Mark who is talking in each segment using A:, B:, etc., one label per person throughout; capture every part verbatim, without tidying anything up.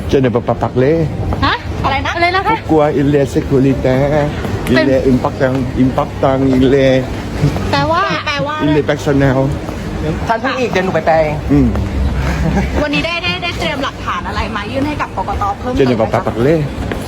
A: Je ne peux pas parler.
B: ฮะอะไรนะอะไรนะคะ
A: Pourquoi il est sécuritaire? Il est important, important, il est,
B: แปลว่าแปลว่า
A: il est personnel.
C: ท่านพูดอีกเดี๋ยวหนูไปแปลเอง
A: Hmm.
B: วันนี้ได้ได้ได้เตรียมหลักฐานอะไรมายื่นให้กับกกตเพิ่ม
A: Je
B: เติม
A: ne
B: ไหม
A: peux
B: คะ
A: pas parler.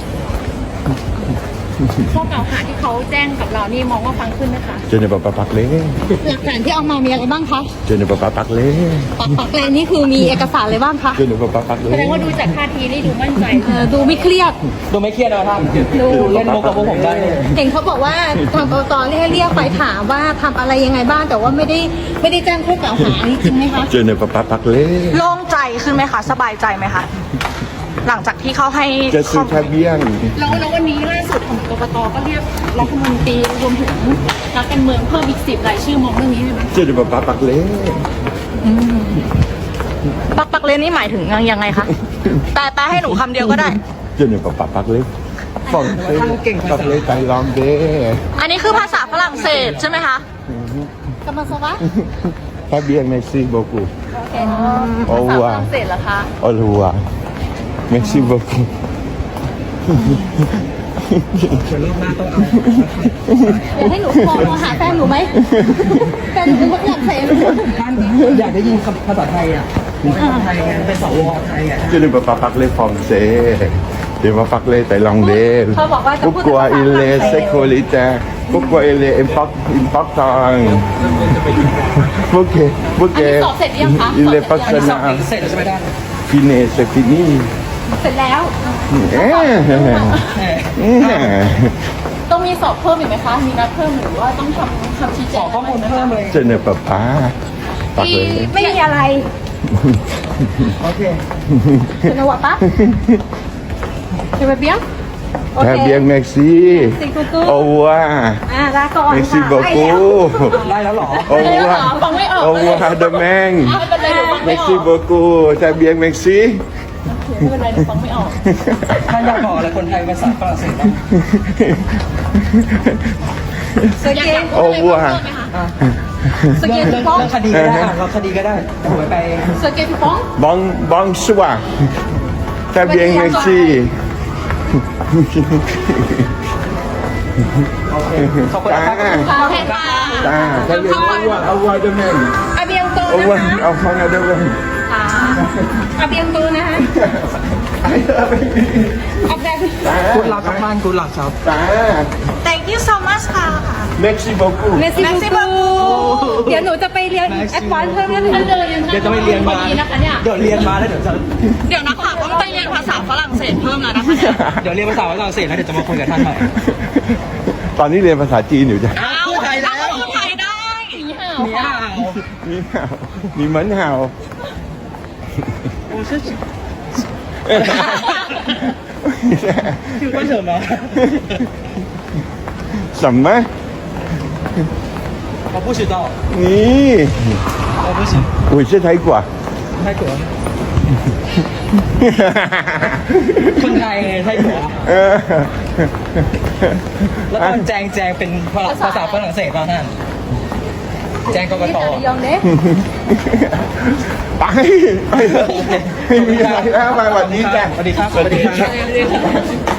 B: ข้อกล่าวหาที่เขาแจ้งกับเรานี่มองว่าฟังขึ้นไหมคะ
A: Je ne peux pas parler.
B: หลักฐานที่เอามามีอะไรบ้างคะ
A: Je ne peux pas parler.
B: ปักปักแลนนี่คือมีเอกสารอะไรบ้างคะ
A: Je ne peux pas
B: แสดงว่า
A: parler.
B: ดูจากท่าทีนี่ดูมั่นใจเออดูไม่เครียด
C: ดูไม่เครียดนะท่าน
B: ดู
C: เล่นมุกกับพวกผมได้เลย
B: เห็นเขาบอกว่าทางกกตเรียกเรียกไปถามว่าทำอะไรยังไงบ้างแต่ว่าไม่ได้ไม่ได้แจ้งข้อกล่าวหาอันนี้จริงไหมคะ
A: Je ne peux pas parler.
B: โล่งใจขึ้นไหมคะสบายใจไหมคะหลังจากที่เขาให้
A: Je suis très bien.
B: แล้วแล้ววันนี้ล่าสุดของกกตก็เรียกรัฐมนตรีรวมถึงนักการเมืองเพิ่มอีกสิบรายชื่อมองเรื่องนี้ได้ไหม
A: Je ne peux pas parler.
B: ปักปักเลนนี่หมายถึงยังไงคะแปลแปลให้หนูคำเดียวก็ได้
A: Je ne peux pas parler. Français, parler thaïlandais.
B: อันนี้คือภาษาฝรั่งเศสใช่ไหมคะกำลังสวะ
A: Très bien, merci beaucoup.
B: ภาษาฝรั่งเศสเหรอคะ
A: Au revoir. Merci beaucoup.
C: เดี๋ยวรอบหน้าต้องเอา
B: อยากให้หนูมองมาหาแฟนหนูไหมแฟนหนูเป็นคนฝรั่งเศส
C: ท่านอยากได้ยินคำภาษาไทยอ่ะเป็นภาษาไทยไงเป็นสวไทยอ่ะ
A: Je ne peux pas parler français. Je ne peux pas parler thaïlandais. Pourquoi il est sécuritaire? Pourquoi il est import- important? Pourquoi,
B: อัน
A: pourquoi
B: นี้สอบเสร็จหรือยังคะ
A: il est
C: สอบ
A: personnel?
C: เสร็จแล้วใช่ไหมท่าน
A: Fini, c'est fini.
B: เสร็จแล้ว
A: Eh.
B: ต้องมีสอบเพิ่มอีกไหมคะ มีนัดเพิ่มหรือว่าต้องทำคำชี้แจ
C: ของ ข้อมูลเพิ่มเลย
A: Je ne peux pas
B: ที่
A: parler.
B: ไม่มีอะไร
C: โอเค
B: คุณนวัดปะจะไปเบี้ย
A: Très bien, merci. Au revoir.
B: อ่าลาก่อน
A: Merci
B: ค่ะ
A: beaucoup.
C: ได้แล้วเหรอ
A: Au
B: ไม่ได้เหรอ
A: revoir.
B: ฟังไม่ออก
A: Au revoir demain.
B: ไม่เป็นไรหนูฟังไม่อ
A: Merci
B: อก
A: beaucoup. Très bien, merci.
B: ไม่เป็นไรหนูฟังไม่ออก
C: ท่านอยากบอกอะไรคนไทยภาษาฝรั่งเศสบ้าง
B: สเกต
A: Au revoir.
B: สเก
C: เรื่
B: ต
C: อง
B: ฟ้อง
C: เรื่องคดีก็ได้อ่ะเราคดีก็ได้เดี๋ยวหนูไปแปลเอง
B: สเกตฟ้อง
A: Bon, bonsoir. Très bien, merci.
C: โอเคขอบคุณครับ
B: ค่ะโอเคค่ะ
A: Ah, très bien. Au revoir. Au revoir demain.
B: อาเบียงโต
A: Au
B: นะ
A: revoir.
B: คะ
A: Au revoir demain.
B: ค่ะอาเบียงโตนะคะอาเบียง
C: คุณหลักครับท่านคุณหลักครับ
A: Ah,
B: thank you so much ค่ะ
A: merci beaucoup.
B: เมสซี่บูเดี๋ยวหนูจะไปเรียนแอดวานซ์เพิ่มนิดนึง
C: เดี๋ยวจะไปเรียนมา
B: นะคะเนี่ย
C: เดี๋ยวเรียนมาแล้วเดี๋ยวจะ
B: เดี๋ยวนักข่าวต้องไปเรียนภาษาฝรั่งเศสเพิ่มแล้วนะคะเนี่ย
C: เดี๋ยวเรียนภาษาฝรั่งเศสแล้วเดี๋ยวจะมาคุยกับท่านใหม่
A: ตอนนี้เรียนภาษาจีนอยู่จ้ะ
B: เอา
C: พูดไทยแล้ว
B: พูดไทยได้นี่ห่าว
C: มีอ่าว
A: มีเห่ามีเหมือนเห่า
C: โอ้ชื่อชื่อว่าเฉิมเหรอ
A: 什么
C: 我不知道
A: นี่
C: 我不行
A: 我是ไทยกว่า
C: ไทยกัวคนไทยไงไทยกัว
A: เออ
C: แล้วตอนแจงแจงเป็นภาษาฝรั่งเศสป่ะท่านแจงกกต
B: ยองเด้
A: ไปไปเลยไม่มีอะไรแล้วมาวันนี้จ้ะ
C: สวัสดีครับ
A: สวัสดีครับ
B: สวัสดีค่ะ